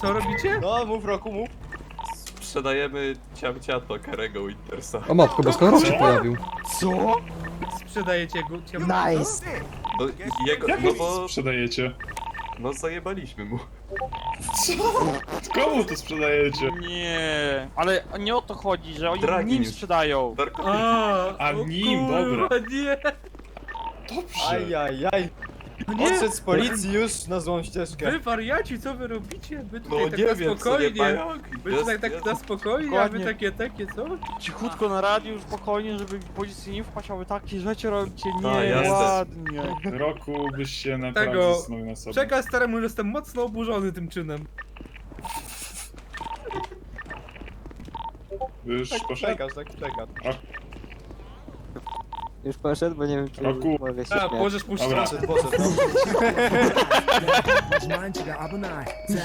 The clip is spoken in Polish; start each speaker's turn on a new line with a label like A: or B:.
A: Co robicie?
B: No, mów Roku, mów.
C: Sprzedajemy ciamciato Karego Wintersa.
D: O matko, boska rok się pojawił.
B: Co?
A: Sprzedajecie go?
B: Nice.
C: No, jego,
E: Jak
C: no
E: go
C: bo...
E: sprzedajecie?
C: No zajebaliśmy mu.
E: Co? Komu to sprzedajecie?
F: Nie, ale nie o to chodzi, że oni
C: Dragi
F: nim
C: już.
F: sprzedają.
C: Darko,
E: A,
A: o
E: nim,
A: kurwa,
E: dobra.
A: nie.
E: Dobrze.
B: Ajajaj.
A: No nie.
B: Odszedł z policji już na złą ścieżkę.
A: Wy wariaci, co wy robicie? Wy
C: no
A: tutaj tak
C: nie
A: na
C: wiem, co nie
A: spokojnie.
C: pająk.
A: Wy tutaj tak na spokojnie, a wy
F: Dokładnie.
A: takie, co?
F: Cichutko na radiu, spokojnie, żeby policji nie wpaść, a wy takie rzeczy robicie
C: jasne.
F: nieładnie.
E: Roku byś się naprawdę
A: Tego-
E: zastanowił na sobie.
A: Przekaz staremu, że jestem mocno oburzony tym czynem.
E: Już poszedł?
B: Czekasz, tak czekasz.
G: Już poszedł, bo nie wiem, czy
E: Roku.
G: mogę się
A: A,
G: śmiać.
A: możesz puścić.
E: Dobra.
B: Poszedł.
H: Was meint ihr, der Abonnei?